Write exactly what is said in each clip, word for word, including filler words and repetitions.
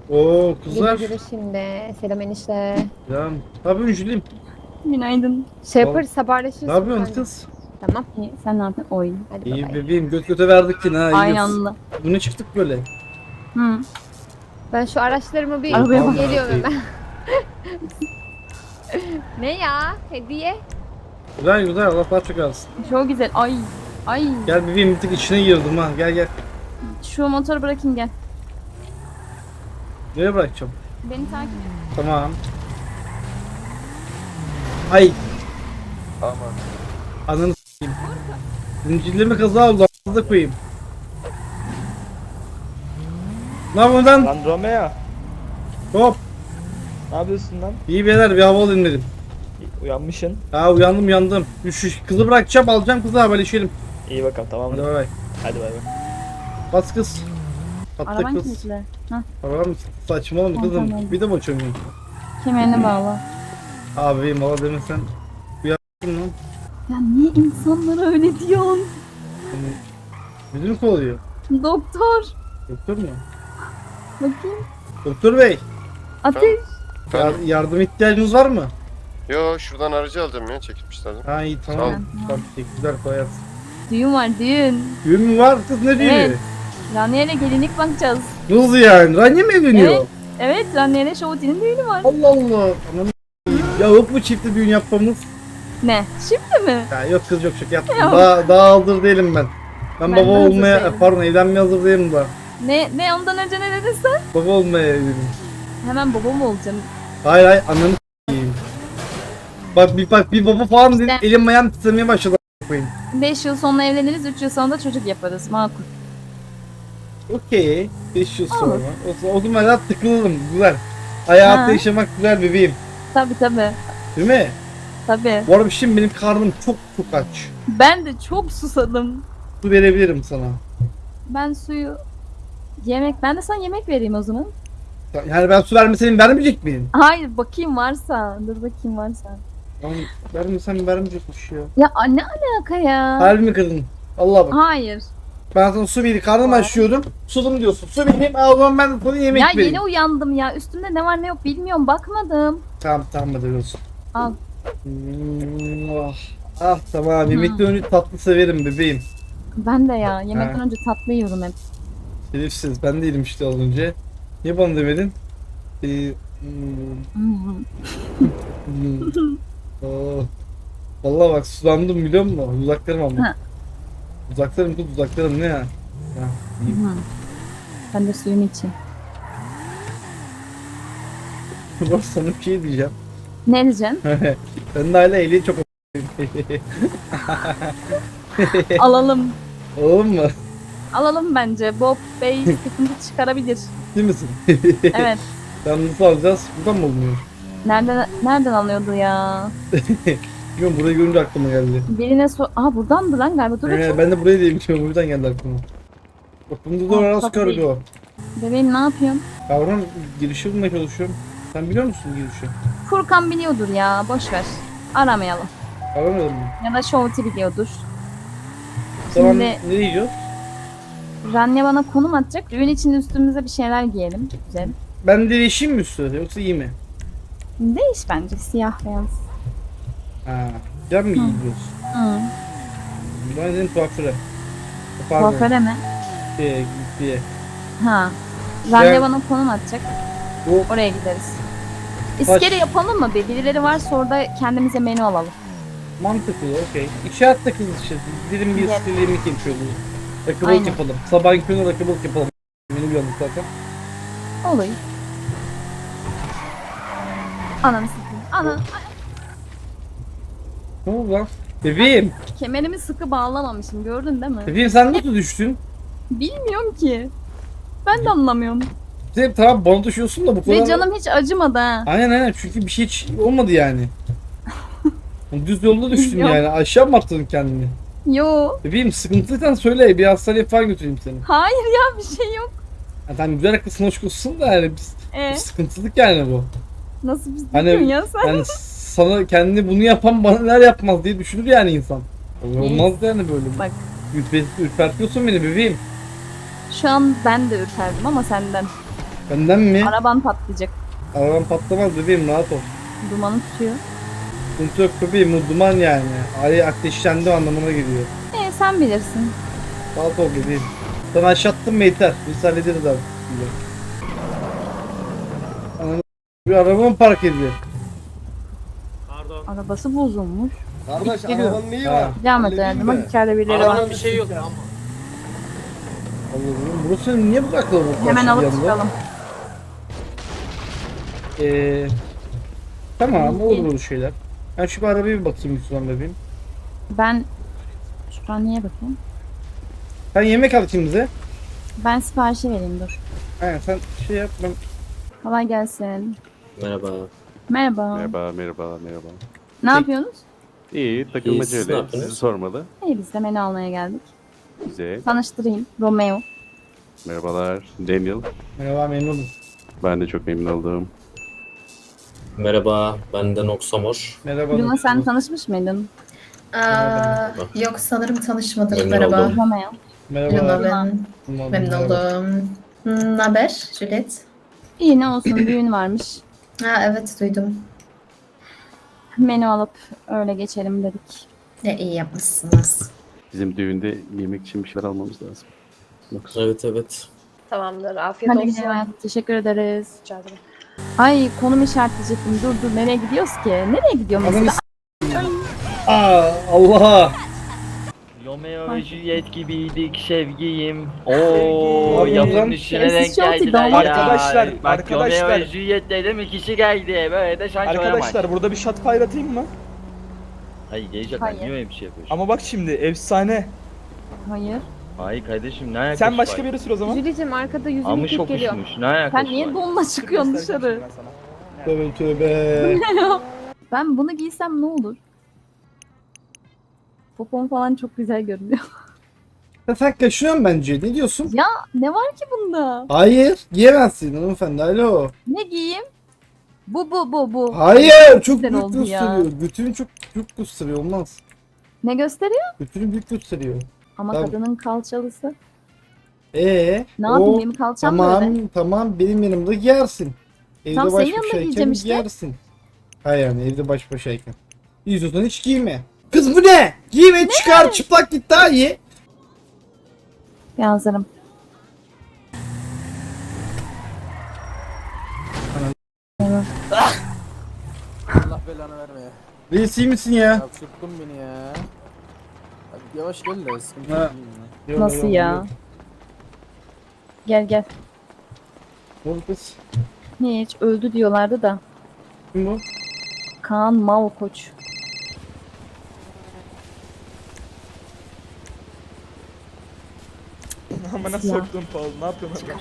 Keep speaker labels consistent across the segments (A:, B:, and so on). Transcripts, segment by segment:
A: Oo
B: Güle
A: kızlar.
B: güle şimdi. Selam enişte.
A: Ya ne yapıyorsun Jülim?
C: Günaydın.
B: Şey
A: Val-
B: yaparız haberleşiriz
A: Ne
B: sonra
A: yapıyorsun
B: kanka.
A: kız?
B: Tamam.
C: İyi, sen ne yapıyorsun? Oy.
B: Hadi bay
A: İyi
B: bay.
A: bebeğim göt göte verdik yine ha
C: Aynı
A: iyiyiz.
C: anda.
A: Bu ne çıktık böyle?
C: Hı.
B: Ben şu araçlarımı bir
C: Arabaya bak.
B: geliyorum hemen. Ne ya? Hediye?
A: Güzel güzel Allah daha çok alsın.
C: Çok güzel. Ay. Ay.
A: Gel bebeğim bir tık içine girdim ha gel gel.
C: Şu motoru bırakayım gel.
A: Nereye bırakacağım?
C: Beni takip et.
A: Tamam. Ay
D: Aman.
A: ananı s**eyim. Zincirlerime kaza oldu a**ına koyayım. Ne yapıyorsun lan?
D: Lan Romeo.
A: Hop.
D: Ne yapıyorsun lan?
A: İyi beyler bir hava alayım dedim.
D: Uyanmışsın.
A: Ha uyandım uyandım. Şu kızı bırakacağım alacağım kızı haberleşelim.
D: İyi bakalım tamam
A: Hadi
D: mı?
A: bay bay.
D: Hadi bay bay.
A: Bas kız. Atla
C: Araban
A: kız.
C: kilitli. Hah.
A: Arabam saçmalama
C: Tamam,
A: kızım.
C: tamam.
A: Bir de mi açamıyorum?
C: Kemerini bağla.
A: Abi valla demesen. Uyandım lan.
C: Ya niye insanlara öyle diyorsun?
A: Yani, müdür mü kovalıyor?
C: Doktor.
A: Doktor mu?
C: Bakayım.
A: Doktor bey.
C: Ateş.
A: Yar- yardım ihtiyacınız var mı?
D: Yo şuradan aracı alacağım ya çekilmişlerdi.
A: Ha iyi tamam.
D: Sağ ol.
A: Tamam teşekkürler kolay gelsin.
C: Düğün var düğün.
A: Düğün mü var kız ne düğünü?
C: Evet. Raniye'yle gelinlik bakacağız.
A: Nasıl yani? Ranya mı evleniyor?
C: Evet. Evet Raniye'yle Şovuti'nin düğünü var.
A: Allah Allah. Anam ya yok mu çiftli düğün yapmamız?
C: Ne? Şimdi mi?
A: Ya yok kız yok şaka yaptım.
C: Yok.
A: Daha, daha hazır değilim ben. Ben,
C: Ben
A: baba
C: de hazır
A: olmaya,
C: değilim.
A: pardon evlenmeye hazır değilim daha.
C: Ne ne ondan önce ne dedin sen?
A: Baba olmaya evleniyorum.
C: Hemen baba mı olacaksın?
A: Hayır hayır ananı s**eyim. Bak bir bak bir baba falan dedim
C: İşte-
A: elim ayağım titremeye başladı a**ına koyayım.
C: beş yıl sonra evleniriz, üç yıl sonra da çocuk yaparız. Makul.
A: Okey. beş yıl sonra.
C: Olur.
A: O, o zaman hayat tıkılırım. Güzel. Hayatı
C: Ha.
A: yaşamak güzel bebeğim.
C: Tabi tabi.
A: Değil mi?
C: Tabi.
A: Bu arada şimdi benim karnım çok çok aç.
C: Ben de çok susadım.
A: Su verebilirim sana.
C: Ben suyu... Yemek... Ben de sana yemek vereyim o zaman.
A: Yani ben su vermeseydim vermeyecek miyim?
C: Hayır bakayım varsa. Dur bakayım varsa.
A: Lan vermesem vermeyecekmiş ya.
C: Ya a- ne alaka ya?
A: Harbi mi kırdın? Allah bak.
C: Hayır.
A: Ben sana su vereyim. Karnım
C: Var.
A: açıyordum. Sudum diyorsun. Su vereyim. Aa, o zaman ben de sana yemek
C: Ya
A: vereyim.
C: yeni uyandım ya. Üstümde ne var ne yok bilmiyorum. Bakmadım.
A: Tamam tamam hadi olsun.
C: Al.
A: Hmm, ah, ah tamam. Yemekten önce tatlı severim bebeğim.
C: Ben de ya. Yemekten
A: Ha.
C: önce tatlı yiyorum hep.
A: Şerefsiz. Ben de yedim işte az önce. Niye bana demedin? Ee, hmm,
C: Hmm.
A: hmm. Oh. Vallahi bak sulandım biliyor musun? Uzaklarım ama.
C: Ha.
A: Uzaklarım kız uzaklarım ne ya? Ya, iyi.
C: Hmm. Ben de suyumu içeyim.
A: Bak sana bir şey diyeceğim.
C: Ne diyeceksin?
A: Ben de hala ehliyet çok
C: Alalım.
A: Oğlum mu?
C: Alalım bence. Bob Bey sıkıntı çıkarabilir.
A: Değil misin?
C: Evet.
A: Sen nasıl alacağız? Buradan mı oluyor?
C: Nereden nereden alıyordu ya?
A: Bilmiyorum burayı görünce aklıma geldi.
C: Birine sor... Aa buradandı lan galiba. Dur
A: Ee,
C: bakayım.
A: ben de burayı diyemişim. Buradan geldi aklıma. Bak bunda da
C: Aa,
A: arası
C: tabii.
A: koridor.
C: Bebeğim ne yapıyorsun?
A: Kavram girişi bulmaya çalışıyorum. Sen biliyor musun girişi?
C: Furkan biliyordur ya. Boş ver. Aramayalım.
A: Kavramadın mı?
C: Ya da Şovti biliyordur.
A: Tamam
C: Şimdi
A: ne diyeceğiz?
C: Ranya bana konum atacak. Düğün için üstümüze bir şeyler giyelim. Güzel.
A: Ben değişeyim mi üstüne yoksa iyi mi?
C: Değiş bence. Siyah beyaz.
A: Ha. Can mı giyiyoruz?
C: Hı.
A: Ben dedim kuaföre. Pardon.
C: Kuaföre mi?
A: Diye, diye.
C: Ha. Ranya
A: Ben-
C: bana konum atacak.
A: Bu
C: Oraya gideriz. İskele
A: Baş-
C: yapalım mı? Bir birileri varsa orada kendimize menü alalım.
A: mantıklı okey. İki hatta kız işte. Dilim bir
C: Evet.
A: dilim iki yapıyoruz. Rakıbalık
C: Aynen.
A: yapalım. Sabahın körüne rakıbalık yapalım. Beni uyandık zaten.
C: Olur. Ananı sikeyim. Ana.
A: Ne oldu lan? Bebeğim.
C: Kemerimi sıkı bağlamamışım. Gördün değil mi?
A: Bebeğim sen nasıl düştün?
C: Bilmiyorum ki. Ben de anlamıyorum.
A: Sen tamam bana düşüyorsun da bu kadar.
C: Ve canım hiç acımadı ha.
A: Aynen aynen çünkü bir şey hiç olmadı yani. Düz yolda düştün
C: Yok.
A: yani. Aşağı mı attın kendini?
C: Yo.
A: Bebeğim sıkıntıysan söyle bir hastaneye falan götüreyim seni.
C: Hayır ya bir şey yok.
A: Ya tamam güzel haklısın hoş olsun da yani biz,
C: Ee,
A: sıkıntılık yani bu.
C: nasıl biz
A: Hani-
C: diyorsun ya sen?
A: Yani sana kendini bunu yapan bana neler yapmaz diye düşünür yani insan. Olmaz yani böyle.
C: Bak.
A: Ürpe, ürpertiyorsun beni bebeğim.
C: Şu an ben de ürperdim ama senden.
A: Benden mi?
C: Araban patlayacak.
A: Araban patlamaz bebeğim, rahat ol.
C: Dumanı tutuyor.
A: Sıkıntı yok bebeğim, bu duman yani. Ay ateşlendi anlamına geliyor.
C: E sen bilirsin.
A: Rahat ol bebeğim. Sana aşağı attım mı yeter. Biz hallederiz abi. Ananı bir araba mı park ediyor?
C: Arabası bozulmuş.
E: Kardeş
A: Geliyor.
E: arabanın neyi
A: Ha.
E: var?
C: Devam et
E: Halledeyim
C: yardıma.
E: mi?
C: İçeride birileri var.
F: Arabanın bir şey yok ama.
A: Allah'ım burası niye bu kadar kalabalık?
C: Hemen
A: şimdi
C: alıp
A: yanında?
C: çıkalım.
A: Ee, tamam olur
C: İyi.
A: böyle şeyler. Ben şu bir arabaya bir bakayım Müslüman bebeğim.
C: Ben şuradan niye bakayım?
A: Sen yemek al ikimize.
C: Ben siparişi vereyim dur.
A: Aynen sen şey yap ben.
C: Kolay gelsin.
F: Merhaba.
C: Merhaba.
G: Merhaba, merhaba, merhaba.
C: Ne yapıyorsunuz?
G: İyi,
F: siz
G: takılmaca
F: ne
G: öyle.
F: yaptınız?
G: Sizi sormalı.
C: İyi biz de menü almaya geldik.
G: Güzel.
C: Tanıştırayım. Romeo.
G: Merhabalar, Daniel.
A: Merhaba memnun oldum.
G: Ben de çok memnun oldum.
F: Merhaba, ben de Noxamor.
A: Merhaba.
C: Luna sen
A: nasılsınız?
C: tanışmış mıydın?
H: Aa, yok sanırım tanışmadık.
F: Memnun
H: Merhaba.
F: oldum.
C: Romeo.
A: Merhaba.
H: Luna ben.
A: Memnun
H: Memnun
A: merhaba.
H: oldum. Ne haber Juliet?
C: İyi ne olsun düğün varmış.
H: Ha evet duydum.
C: Menü alıp öyle geçelim dedik.
H: Ne iyi yapmışsınız.
G: Bizim düğünde yemek için bir şeyler almamız lazım. Yoksa
F: Evet evet.
B: Tamamdır. Afiyet
C: Hadi
B: olsun.
C: gidelim hayatım. Teşekkür ederiz.
B: Rica ederim.
C: Ay konum işaretleyecektim. Dur dur nereye gidiyoruz ki? Nereye gidiyor
A: Ananı
C: mesela?
A: s- Aa Allah.
I: Romeo ve Juliet gibiydik sevgiyim.
A: Abi,
I: Oo, yapım
A: lan.
I: üstüne denk
C: Sessiz şortu
I: geldiler
C: damat.
I: ya.
E: Arkadaşlar,
I: Bak
E: arkadaşlar.
I: Romeo ve Juliet dedim ikisi geldi. Böyle de şans olamaz.
E: Arkadaşlar burada bir shot fire atayım mı?
I: Hayır gelecek
C: Hayır.
I: niye öyle bir şey yapıyorsun?
E: Ama bak şimdi efsane.
C: Hayır.
I: Hayır kardeşim ne alakası
E: Sen başka
I: var?
E: bir yere sür o zaman.
B: Jülicim arkada yüzünü
I: Almış
B: yıkıp geliyor.
I: okuşmuş ne alakası
C: Sen niye
I: var?
C: donla çıkıyorsun
E: Göstereceğim
C: dışarı?
E: şimdi ben sana.
A: Tövbe tövbe.
C: Ben bunu giysem ne olur? Popom falan çok güzel görünüyor.
A: Ya sen kaşınıyorsun bence. Ne diyorsun?
C: Ya ne var ki bunda?
A: Hayır. Giyemezsin hanımefendi. Alo.
C: Ne giyeyim? Bu bu bu bu.
A: Hayır. Çok
C: güzel
A: büyük
C: oldu ya.
A: gösteriyor. Götünü çok büyük gösteriyor. Olmaz.
C: Ne gösteriyor?
A: Götünü büyük gösteriyor.
C: Ama
A: Tamam.
C: kadının kalçalısı.
A: Ee,
C: Ne yapayım
A: o-
C: benim kalçam
A: Tamam
C: böyle.
A: tamam benim yanımda giyersin. Evde
C: Tam
A: baş
C: senin yanında
A: başayken
C: giyeceğim işte.
A: giyersin. Hayır yani evde baş başayken. İzliyorsan hiç giyme. Kız bu ne? Giyme çıkar çıplak git daha iyi.
C: Bir hazırım.
J: Allah belanı vermeye.
A: Reis iyi misin ya?
J: Ya sürttün beni ya. Hadi yavaş gel de sıkıntı
A: Ha.
J: yok.
A: Yok,
C: Nasıl
A: yok,
C: ya?
A: yok.
C: Gel gel.
A: Ne oldu kız?
C: Hiç öldü diyorlardı da.
A: Kim bu?
C: Kaan Malkoç.
E: Ama nasıl
C: Ya.
E: soktun Paul? Ne yapıyorsun orada?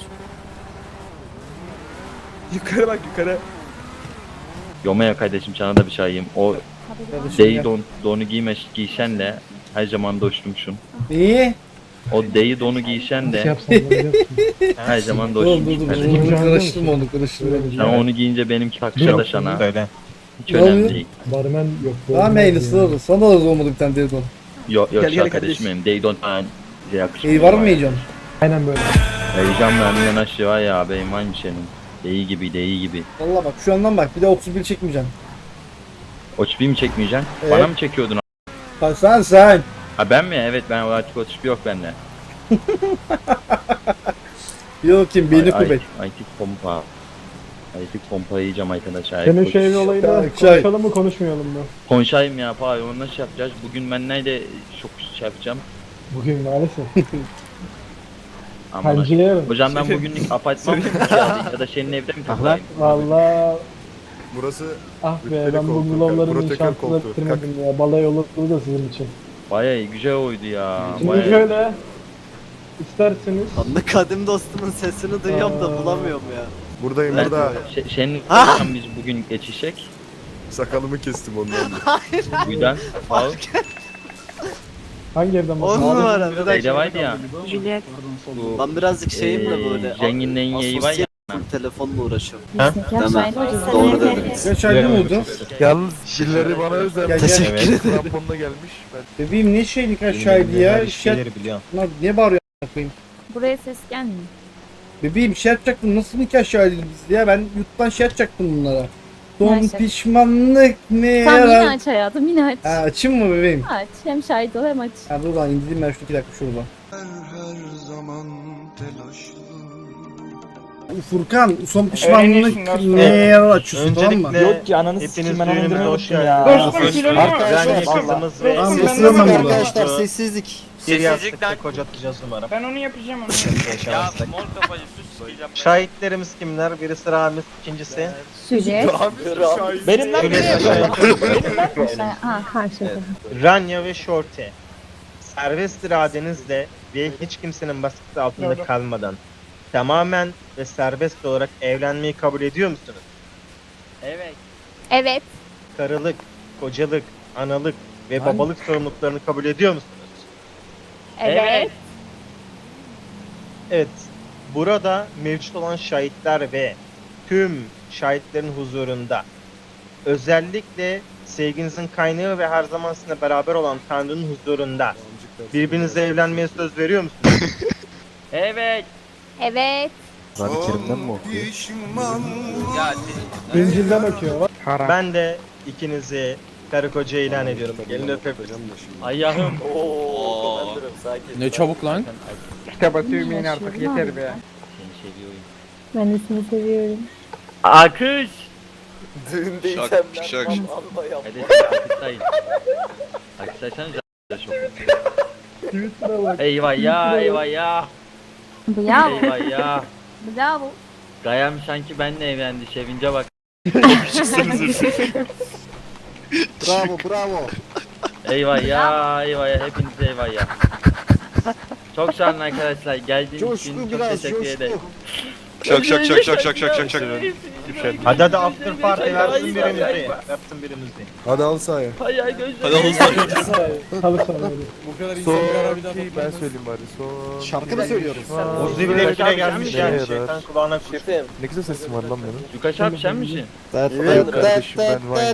E: Yukarı bak yukarı.
I: Romeo kardeşim sana da bir şey ayayım. O
A: Kardeşim
I: deyi
A: gel.
I: don, donu giyme, giysenle her zaman doştumşun.
A: İyi.
I: O deyi donu giysen de her zaman
A: Dur dur
I: doştumşun
A: dur.
I: kardeşim.
A: Onu karıştırma onu karıştırma.
I: Sen onu giyince benimki takışa da sana. Hiç
A: Ne
I: önemli
A: oluyor?
I: değil.
A: Tamam aynısı olur. Sana da olmadı bir tane dedon.
I: Yok yok
E: Gel,
I: şu
E: gel
I: kardeşim
E: kardeşim.
I: benim. Deydon falan bize yakışmıyor.
A: İyi var mı heyecan?
I: Heyecan vermeden aşağı var ya benim aynı senin. Deyi gibi deyi gibi.
A: Valla bak şu andan bak bir de otuz bir çekmeyeceksin.
I: Otuz bir mi çekmeyeceksin?
A: Evet.
I: Bana mı çekiyordun?
A: Ha, sen sen.
I: Ha ben mi? Evet ben artık otuz bir yok bende.
A: Yok kim beni
I: Ay-
A: kuvvet.
I: ay- Aytik pompa. Aytik pompa yiyeceğim arkadaşlar.
K: Senin
I: Aytik
K: şu evli
I: koç-
K: olayını
A: Çay.
K: konuşalım mı konuşmayalım mı?
I: Konuşayım ya pay onu nasıl yapacağız? Bugün ben nerede çok şey yapacağım.
K: Bugün maalesef.
I: Aman
K: Hancıya yarın.
I: hocam ben bugünlük apartman mı kiralayayım ya da senin evde mi kalayım?
K: Valla
E: Burası
K: ah be
E: Rütbeli
K: ben
E: koltuk,
K: bungalovların
E: protokol
K: inşaatını
E: koltuğu.
K: bitirmedim ya. Balay olur da sizin için.
I: Bayağı iyi, güzel oydu ya.
K: Şimdi
I: Bayağı.
K: şöyle isterseniz
J: Anlı kadim dostumun sesini duyuyorum da
K: Aa.
J: bulamıyorum ya.
E: buradayım
I: Ben,
E: burada.
I: se- senin hocam biz bugün geçişek.
E: Sakalımı kestim ondan.
I: Bu yüzden al.
K: hangi evden
J: On
K: bahsediyorsun?
J: numara bir
I: Evde
J: dakika.
I: vardı ya.
C: Juliet.
I: Bu,
J: Ben birazcık şeyim de
I: eee,
J: böyle.
I: Zengin yeği var ya.
J: Telefonla uğraşıyorum.
C: Zeka şahidi.
J: Doğru dediniz.
A: Kaç ayda mı oldu?
E: Yalnız şilleri bana özel.
A: Gel, gel.
I: Evet.
E: Kramponla gelmiş. Ben
A: Bebeğim ne şeylik aşağıydı ya? Şey, lan niye bağırıyor a**ına koyayım?
C: Buraya ses gelmiyor.
A: Bebeğim şey yapacaktım. Nasıl nikah şahidiydi biz ya? Ben YouTube'dan şey yapacaktım bunlara. Son
C: Maalesef.
A: pişmanlık ne
C: Tamam yine
A: yarar?
C: aç hayatım yine aç.
A: Ha, açayım mı bebeğim?
C: Aç. Hem şahit ol hem aç.
A: Ha dur lan indireyim ben şu iki dakika şurada. Furkan son pişmanlık ne yarar açıyorsun tamam mı?
D: Yok ki ananı sikeyim ben onu indirmeyi ya.
A: Tamam ısırırım ben burada.
D: sessizlik. Sessizlikten kocatacağız numara.
B: Ben onu yapacağım onu.
D: Ya mor kafayı sus. Şahitlerimiz kimler? Birisi Ramiz, ikincisi.
C: Süre.
D: Benim lan
C: Ha karşıda.
D: Ranya ve Shorty. Serbest iradenizle ve hiç kimsenin baskısı altında kalmadan tamamen ve serbest olarak evlenmeyi kabul ediyor musunuz?
B: Evet.
C: Evet.
D: Karılık, kocalık, analık ve babalık sorumluluklarını kabul ediyor musunuz?
C: Evet.
D: Evet. Burada mevcut olan şahitler ve tüm şahitlerin huzurunda özellikle sevginizin kaynağı ve her zaman sizinle beraber olan Tanrı'nın huzurunda birbirinize evlenmeye söz veriyor musunuz?
B: Evet.
C: Evet.
E: Kur'an-ı Kerim'den mi okuyor?
K: İncil'den bakıyor. Bak.
D: Ben de ikinizi karı koca ilan ediyorum. Gelin öpeyim.
B: Ayağım.
J: Ne çabuk lan.
C: Kitaba tüymeyin artık yeter be.
B: Seni seviyorum.
C: Ben de seni seviyorum.
B: Akış.
E: Düğündeysem ben
B: Hadi akıştayım. Akıştaysanız çok.
K: Twitter'a bak.
B: Eyvah ya eyvah ya.
C: Bravo.
B: Eyvah ya.
C: Bravo.
B: Gayam sanki benle evlendi. Sevince bak.
E: Bravo bravo.
B: Eyvah ya eyvah ya. Hepinize eyvah ya. Çok sağ olun arkadaşlar. Geldiğiniz için çok teşekkür ederim.
E: Şak şak şak şak şak şak şak şak.
D: Hadi hadi after party versin birimizi. Yapsın birimizi.
E: Hadi al sahaya.
B: Hayal gözlerim.
K: Halı saha böyle.
J: Bu kadar
E: Son
J: insan bir ara bir daha
E: ben söyleyeyim bari. Son.
G: Şarkı mı söylüyoruz?
D: Ozi bile kile gelmiş yani.
E: Evet.
D: Şeytan kulağına kuş.
E: Ne güzel sesim var lan benim.
B: Yukaş abi sen misin?
E: Evet kardeşim ben vay.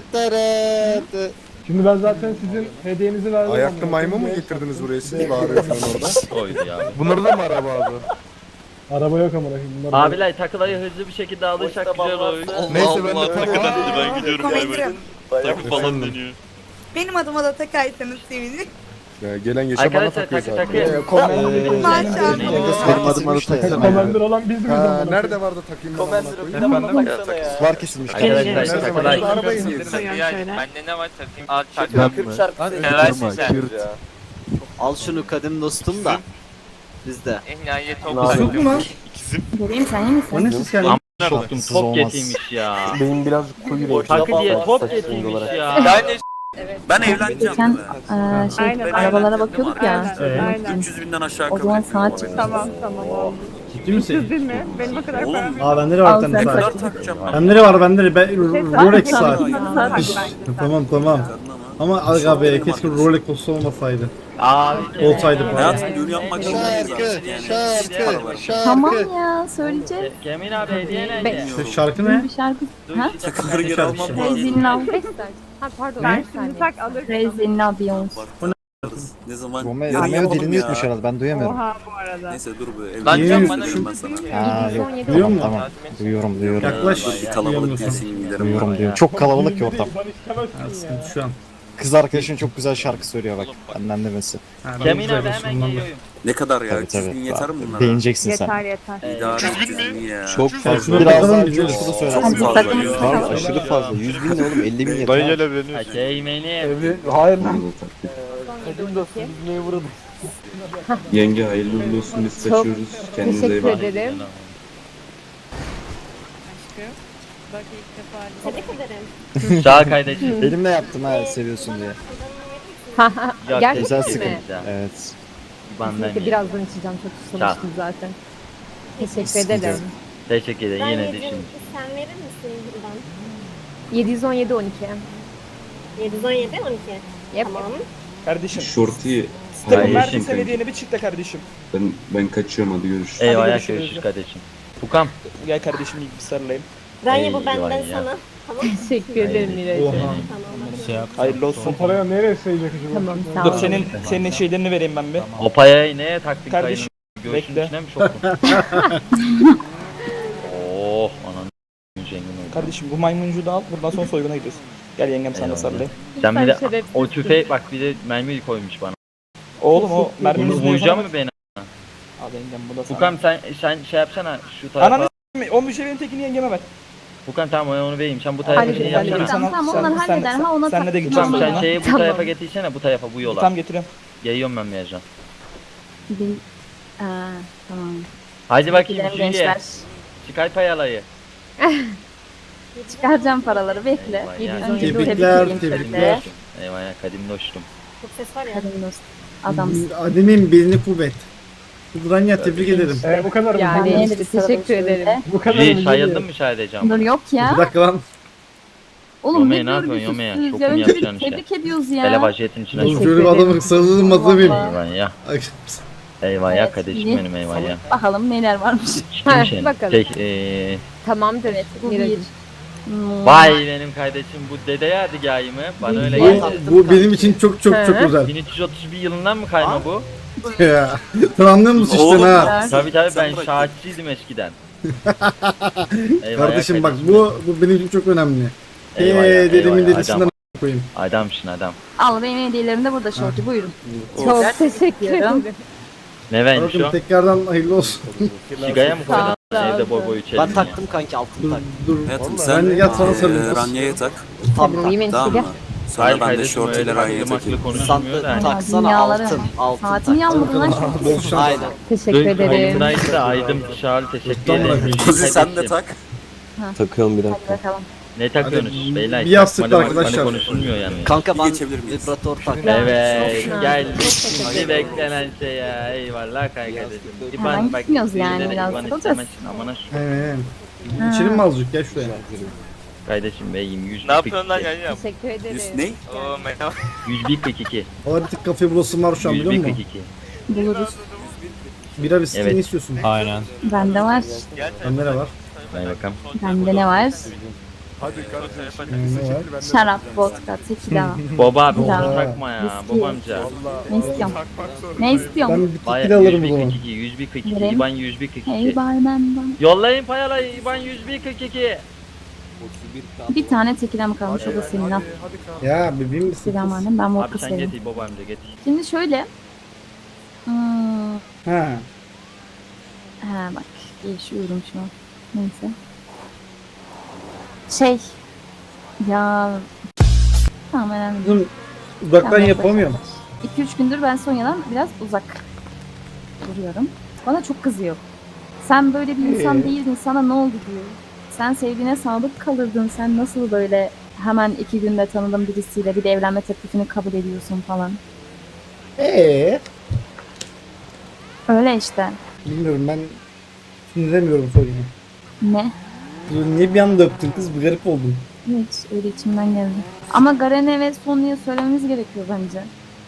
K: Şimdi ben zaten sizin hediyenizi verdim.
E: Ayaklı maymun mu getirdiniz buraya siz bağırıyorsunuz orada?
B: Oydu ya.
E: Bunları da mı araba abi?
K: Araba yok amına koyayım. Bunlar
B: Abiler takılayı hızlı bir şekilde alırsak güzel olur.
E: Neyse ben de tamam.
L: Ben gidiyorum bay bay. Takı falan deniyor.
M: Benim adıma da takaysanız sevinirim.
E: Ya gelen geçen bana
B: Arkadaşlar
E: takıyor
B: takı
E: zaten.
B: takı.
M: Maşallah.
G: Benim adım adı takacağım.
K: Commander olan biz miyiz
E: Ha,
K: amına
E: nerede vardı takayım ben amına koyayım?
G: Var kesilmiş.
B: Arkadaşlar
E: Nerede
B: takılayı.
E: vardı arabayı indirdin?
L: Bende ne var takayım? Al
G: Ben
L: takayım.
G: mi?
L: Seversin sen.
G: Al şunu kadim dostum da. Bizde.
L: Ehniyet
A: Yok mu lan?
C: Göreyim sen iyi misin?
A: O ne ses geldi?
B: Soktum top getirmiş ya.
D: Benim biraz koyu renk.
B: Takı diye top getirmiş ya.
L: Ben de ben evleneceğim.
C: Geçen eee şey
M: Aynen,
C: arabalara bakıyorduk ya.
M: Aynen.
L: üç yüz binden aşağı
C: O zaman saat çıktı.
M: Tamam tamam oldu.
A: Ciddi misin?
M: Değil mi? Benim o kadar param yok.
A: Aa bende de var
C: Al
A: bir tane
C: sen
A: saat.
C: kaç.
L: takacağım.
A: Bende de var bende de. Ben Rolex saat.
M: Saat
A: İş. Tamam tamam. Ama aga be keşke Rolex olsa olmasaydı.
B: Abi.
A: Olsaydı falan.
L: Hayatım düğün yapmak zorundayız zaten.
C: Tamam ya söyleyeceğiz.
B: Cemil abi hediye
C: Be-
B: nerede?
A: İşte şarkı ne?
C: Bir şarkı. Ha?
L: Takıları geri almam lazım.
C: Crazy in Love. Ha pardon.
M: Ben şimdi tak alırım.
C: Crazy in Love Beyoncé.
L: Ne zaman?
G: Romeo,
L: Yarın
G: Romeo
L: yapalım
G: dilini
L: ya.
G: yutmuş herhalde ben duyamıyorum.
M: Oha bu arada.
L: Neyse dur be.
A: Lan
L: Evleneceğim
A: can
L: bana
A: şu-
L: ben sana.
G: Ha yok.
A: Duyuyor
G: Tamam
A: musun?
G: tamam. Duyuyorum duyuyorum.
A: Yaklaş.
L: Bir kalabalık gelsin giderim.
G: Duyuyorum duyuyorum. Çok kalabalık ki ortam.
K: Ben istemezsin ya.
A: Sıkıntı şu an.
G: Kız arkadaşın çok güzel şarkı söylüyor bak. Benden demesi.
A: Ha, ben
B: Cemil
A: güzel
B: abi
A: olsun
B: hemen
A: bundan da.
B: geliyorum.
L: Ne kadar ya?
G: Tabii
L: üç yüz bin
G: tabii.
L: yeter mi bunlara?
G: Beğeneceksin sen.
M: Yeter yeter.
L: İdare edeceğiz ya.
G: Çok
A: Şuna
G: fazla. Biraz
A: bakalım
G: daha
A: güzel.
G: coşkulu
L: Çok
G: söyle.
C: Hadi
L: fazla
C: takım
L: ya.
G: Var aşırı fazla. yüz bin ne oğlum elli bin yeter.
E: evleniyor.
B: Teğmenim.
D: Hayır lan. Kadim dostum biz neye vuralım?
L: Yenge hayırlı uğurlu olsun biz kaçıyoruz. Kendinize iyi bakın.
C: ederim.
B: Sağ kardeşim.
G: Elimle yaptım ha seviyorsun diye.
B: Yok,
C: Gerçekten
G: Güzel
B: teşekkür
G: sıkıntı.
B: ederim ya.
G: Evet.
B: Benden iyi.
C: Birazdan içeceğim çok susamıştım zaten. Teşekkür
G: Sıkıntı
C: ederim.
B: Teşekkür ederim yine düşün.
M: Sen verir misin buradan?
C: yedi yüz on yedi on iki.
M: yedi yüz on yedi on iki.
C: Yep.
M: Tamam.
D: Kardeşim.
L: Şortiyi
B: Kardeşim.
D: Hediyeni bir çık da kardeşim.
L: ben, ben kaçıyorum hadi görüşürüz.
B: Eyvallah
D: görüşürüz.
B: görüşürüz kardeşim. Fukam.
D: Gel kardeşim ilk bir sarılayım.
M: Ranya bu
B: Eyvah
M: benden
B: ya.
M: sana. Tamam.
C: Teşekkür ederim Miray'cığım.
A: Oha.
M: Tamam.
D: Hayırlı olsun.
K: O paraya nereye sayacak acaba?
C: Tamam sağ
D: Dur
C: ol.
D: senin senin şeylerini vereyim ben bir.
B: O payayı neye taktın
D: Kardeşim.
B: Göğsünün
J: Bekle.
B: içine mi soktun? Oh ananı zengin oldu.
J: Kardeşim bu maymuncuğu da al. Buradan sonra soyguna gidiyoruz. Gel yengem sana da
B: Eyvallah.
J: sarılayım.
B: Sen bir de
M: şerefsizsin.
B: o tüfeği bak bir de mermi koymuş bana.
J: Oğlum o merminin
B: Bunu
J: üstüne
B: vuracak
J: yapana
B: mı beni?
J: bak. Al yengem bu da sana.
B: Furkan sen sen şey yapsana şu tarafa.
J: Ananı s***mi. O bir şey benim tekini yengeme ver.
B: Furkan tamam onu vereyim. Sen bu tarafa
C: Hadi
B: şey
C: gidelim,
B: yapsana.
C: Tamam, tamam,
J: Sen-
C: onlar
J: sen-
C: halleder.
J: sen-
C: Ha, ona
J: senle de
C: tak-
J: gideceğim
B: Tamam sen
J: sonra.
B: şeyi bu
C: Tamam.
B: tarafa getirsene bu tarafa bu yola.
J: Tam getiriyorum.
B: Yayıyorum ben Meycan.
C: Bir... Aa, tamam.
B: Hadi bakayım
C: Gidelim
B: Jüriye.
C: gençler.
B: Çıkar payalayı.
C: Çıkaracağım paraları bekle.
B: Eyvah ya.
C: Önce bir
A: Tebrikler,
C: tebrik edeyim
A: tebrikler.
C: şöyle.
B: Eyvah ya kadim dostum.
M: Çok ses var ya.
C: Kadın dost. Adamsın.
A: Ademin belini kuvvet. Ranya tebrik ederim.
K: Ee, bu kadar mı?
C: Yani
K: Bu-
C: evet, teşekkür ederim.
K: Bu kadar mı?
B: Jüri sayıldın mı sadece ama?
C: Dur yok ya.
A: Bir dakika lan.
C: Oğlum
B: Yome'ye
C: ne
B: ne
C: diyorum
B: yapıyorsun Yome'ye?
C: üstüz
B: Çok
C: ya.
B: mu
C: Önce bir
B: yapacaksın işte?
C: tebrik ediyoruz
B: Hele
C: ya.
B: vajiyetin içine
A: Oğlum
B: sok.
A: şöyle bir adamı sarılmadı mıyım?
C: Vallahi.
B: Eyvah ya.
A: Ay,
B: Eyvah ya
C: Evet,
B: kardeşim
C: iyi.
B: benim eyvah ya.
C: Bakalım neler varmış.
B: Kim şey?
M: bakalım.
B: Şey eee...
M: Tamamdır.
C: Evet bu bir.
M: Miracım.
C: Hmm.
B: Vay benim kardeşim bu dede yadigarı mı? Bana öyle
A: Bu,
B: geldi.
A: bu benim için çok çok çok
M: Hı.
A: özel.
B: bin üç yüz otuz bir yılından mı kayma bu?
A: Ya. Sen anlıyor musun işte ha?
B: Tabii tabii ben şahitçiydim eskiden. Eyvah ya
A: Kardeşim bak
B: kardeşim.
A: bu bu benim için çok önemli.
B: Eyvah ya,
A: Eee
B: eyvah
A: dedimin
B: ya,
A: dedisinden
B: adam,
A: koyayım.
B: adamsın adam.
C: Al benim hediyelerim de burada şortu buyurun.
M: Çok teşekkür
C: ediyorum.
M: ederim.
B: Ne vermiş
A: Bakın
B: o?
A: tekrardan hayırlı olsun.
B: Sigaya mı koydun?
M: Sağ ol,
B: Evde
M: sağ ol.
B: boy boy içelim ya.
J: kanki altın
A: Dur dur.
E: Hayatım
A: Ben de yat sana sarılayım.
E: Ranya'ya tak.
M: Tamam. Yemin
E: Tamam mı? Sonra
B: Hayır
E: ben de
B: kardeşim öyle
E: şortuyla Ranya'ya
B: maklı
E: takayım.
B: maklı konuşmuyor da.
C: Taksana altın. altın Saatimi yalmadın lan şortu.
A: Bol şans.
M: Teşekkür
B: Dün
M: ederim.
B: kayımdaydı da aydım dışarı teşekkür
A: Tamam,
B: ederim.
A: bırakayım.
E: Kuzi sen de tak.
L: Takıyorum bir
C: Hadi
L: dakika.
C: bakalım.
B: Ne takıyorsunuz beyler?
A: bir yastıkla
B: Takmalı makmalı
A: arkadaşlar.
B: konuşulmuyor yani.
J: Kanka
E: ben vibratör
B: Evet
M: Ha,
B: gel
M: çok teşekkür
B: şimdi beklenen şey ya eyvallah kardeşim.
C: Hemen gitmiyoruz yani,
B: birileri
C: biraz
B: İban
C: olacağız.
B: istemezsin amına şu
A: Aynen. İçelim mi azıcık gel şuraya.
B: kardeşim beyim yüz
F: Ne yapıyorsun lan yan yan?
M: Teşekkür ederim.
E: Ne?
F: Oo merhaba.
B: yüz bir kırk iki.
A: O artık kafe bulasım var şu an
B: yüz
A: biliyor
B: bir
A: musun?
B: kırk iki.
C: Buluruz.
A: Bira viski
B: Evet.
A: ne istiyorsun?
I: Aynen.
C: Bende var.
A: Bende ne var?
B: Hadi bakalım.
C: Bende ne var?
E: Hadi kardeşim.
A: Ne var?
C: Şarap, vodka, tequila.
B: Baba abi
C: Ya.
B: onu takma ya
C: Viski.
B: babamca.
C: Ne istiyorsun? Ne istiyorsun?
A: Ben bir
B: Vay
A: tekil alırım o
B: yüz bir
A: zaman.
B: kırk iki yüz bir kırk iki
C: Vereyim.
B: İban yüz bir kırk
C: Hey
B: iki.
C: barmen.
B: Yollayın payalayı İban yüz bir kırk iki.
C: Bir tane tequila mı kalmış o da senin al.
A: Ya bebeğim misin?
C: Tequila madem ben vodka
B: Abi sen
C: severim.
B: getir babamca getir.
C: Şimdi şöyle. Hmm,
A: Ha.
C: ha bak yaşıyorum şu an. Neyse. Şey. Ya. Tamam önemli değil.
A: Kızım uzaktan
C: Tamam,
A: yapamıyorum.
C: iki üç gündür ben Sonya'dan biraz uzak duruyorum. Bana çok kızıyor. Sen böyle bir insan
A: Ee?
C: değildin, sana ne oldu diyor. Sen sevdiğine sadık kalırdın, sen nasıl böyle hemen iki günde tanıdığın birisiyle bir de evlenme teklifini kabul ediyorsun falan.
A: Eee?
C: Öyle işte.
A: Bilmiyorum ben sinirlemiyorum soruyu.
C: Ne?
A: Niye bir anda öptün kız? Bir garip oldum.
C: Hiç öyle içimden geldi. Ama Garen'e ve Sonya'ya söylememiz gerekiyor bence.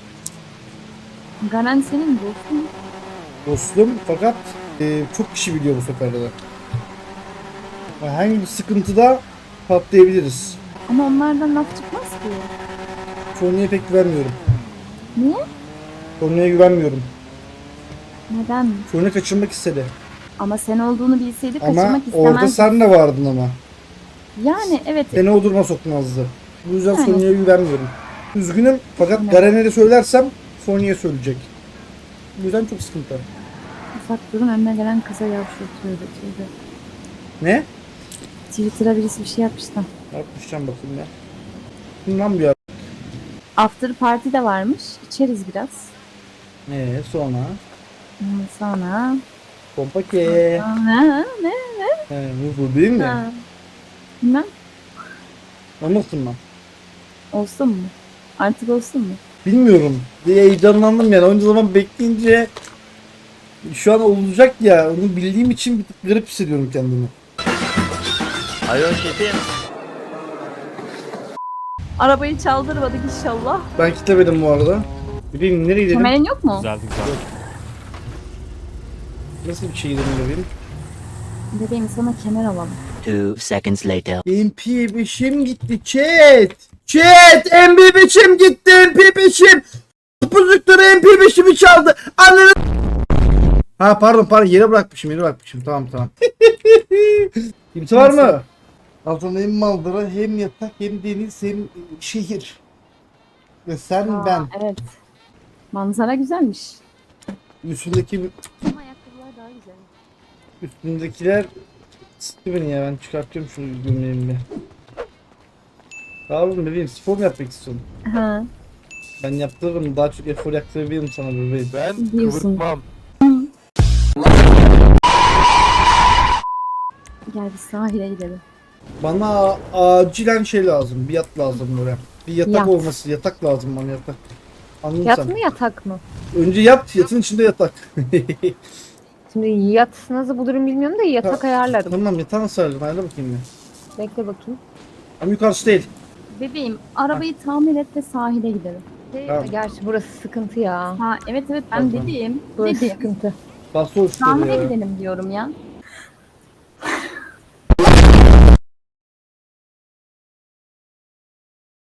C: Garen senin dostun.
A: Dostum fakat e, çok kişi biliyor bu seferde de. Herhangi bir sıkıntıda patlayabiliriz.
C: Ama onlardan laf çıkmaz ki.
A: Sonya'ya pek güvenmiyorum.
C: Niye?
A: Sonya'ya güvenmiyorum.
C: Neden?
A: Sonya kaçırmak istedi.
C: Ama sen olduğunu bilseydi
A: Ama
C: kaçırmak
A: orada
C: istemezdi.
A: sen de vardın ama.
C: Yani evet.
A: Seni o duruma sokmazdı. Bu yüzden
C: Yani.
A: Sonya'ya güvenmiyorum. Üzgünüm fakat
C: Evet.
A: Garen'e de söylersem Sonya'ya söyleyecek. Bu yüzden çok sıkıntı.
C: Ufak durun önüne gelen kıza yavşatıyordu. Tövbe.
A: Ne?
C: Twitter'a birisi bir şey yapmıştı.
A: Yapmışacağım bakayım ya. Bundan bir yer.
C: After party de varmış. İçeriz biraz.
A: Ee sonra?
C: Hmm, Sonra...
A: Pompa ke.
C: Ha, ne?
A: He, bu, bu değil mi?
C: Ha. Bilmem.
A: Anlasın mı?
C: Olsun mu? Artık olsun mu?
A: Bilmiyorum. Diye heyecanlandım yani. Onca zaman bekleyince şu an olacak ya. Onu bildiğim için bir tık garip hissediyorum kendimi.
B: Alo şefim.
C: Arabayı çaldırmadık inşallah.
A: Ben kitlemedim bu arada. Bebeğim nereye gidelim?
C: Kemerin yok mu?
I: Güzel güzel.
A: Nasıl bir şey gidelim bebeğim?
C: Bebeğim sana kemer alalım.
N: Two seconds later.
A: M P beşim gitti chat. Chat M P beşim gitti M P beşim. Puzukları M P beşimi çaldı. Ananı Ha pardon pardon yere bırakmışım yere bırakmışım. Tamam tamam. Kimse var mı? Altında hem manzara hem yatak hem deniz hem şehir. Ve sen
C: Aa,
A: ben.
C: Evet. Manzara güzelmiş.
A: Üstündeki
C: Ama ayakkabılar daha güzel.
A: üstündekiler sıktı beni ya ben çıkartıyorum şu gömleğimi bir. Tamam bebeğim spor mu yapmak istiyorsun?
C: Ha,
A: Ben yaptırırım daha çok efor yaktırabilirim sana bebeğim.
K: Ben
C: Diyorsun.
K: kıvırtmam.
C: gel bir sahile gidelim.
A: Bana acilen şey lazım bir yat lazım böyle. Bir yatak
C: Yat.
A: olması yatak lazım bana yatak. Anladın
M: Yat
A: sen?
M: mı yatak mı?
A: Önce yat yatın içinde yatak.
M: Şimdi yat nasıl bulurum bilmiyorum da yatak ayarlarım.
A: Tamam yatağı nasıl ayarlayayım ayarla bakayım bir.
M: Bekle bakayım.
A: Ama yukarısı değil.
C: Bebeğim arabayı tamir et ve sahile gidelim.
M: Şey,
A: Tamam.
M: Gerçi burası sıkıntı ya.
C: Ha evet evet ben
A: Tamam.
C: dedim.
M: Burası
C: Dedim.
M: sıkıntı.
A: Bastı olsun
C: Tamire
A: ya.
C: gidelim diyorum ya.